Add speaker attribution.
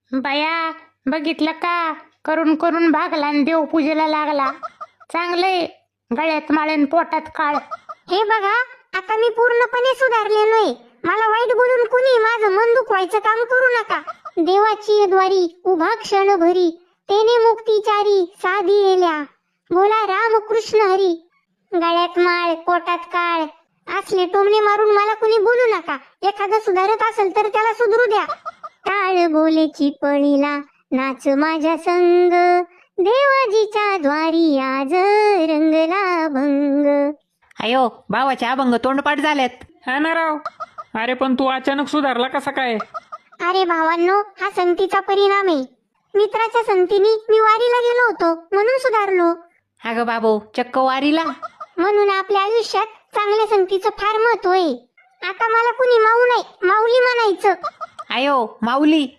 Speaker 1: बाया, बघितलं का? करून करून भागला आणि देवपूजेला लागला. चांगलंय, गळ्यात माळेन पोटात काळ.
Speaker 2: हे बघा, आता मी पूर्णपणे सुधारलेलोय. मला वाईट बोलून कुणी माझं मन दुखवायचं काम करू नका. देवाची द्वारी उभा क्षण भरी, तेने मुक्तीचारी साधी येल्या. बोला राम कृष्ण हरी. गळ्यात माळ पोटात काळ असले टोमणे मारून मला कुणी बोलू नका. एखादं सुधारत असेल तर त्याला सुधरू द्या. टाळ बोलेची पळीला नाच माझ्या संग, देवाजीच्या द्वारी आज रंगला भंग.
Speaker 3: अयो, भावाचे अभंग तोंडपाठ झालेत.
Speaker 4: हा ना राव. अरे पण तू अचानक सुधारला कसा काय?
Speaker 2: अरे भावांनो, हा संगतीचा परिणाम आहे. मित्राच्या संगतीने मी वारीला गेलो होतो म्हणून सुधारलो.
Speaker 3: अगं बाबू, चक्क वारीला?
Speaker 2: म्हणून आपल्या आयुष्यात चांगल्या संगतीचं फार महत्व आहे. आता मला कुणी माऊ नाही, माऊली म्हणायचं.
Speaker 3: अयो माऊली,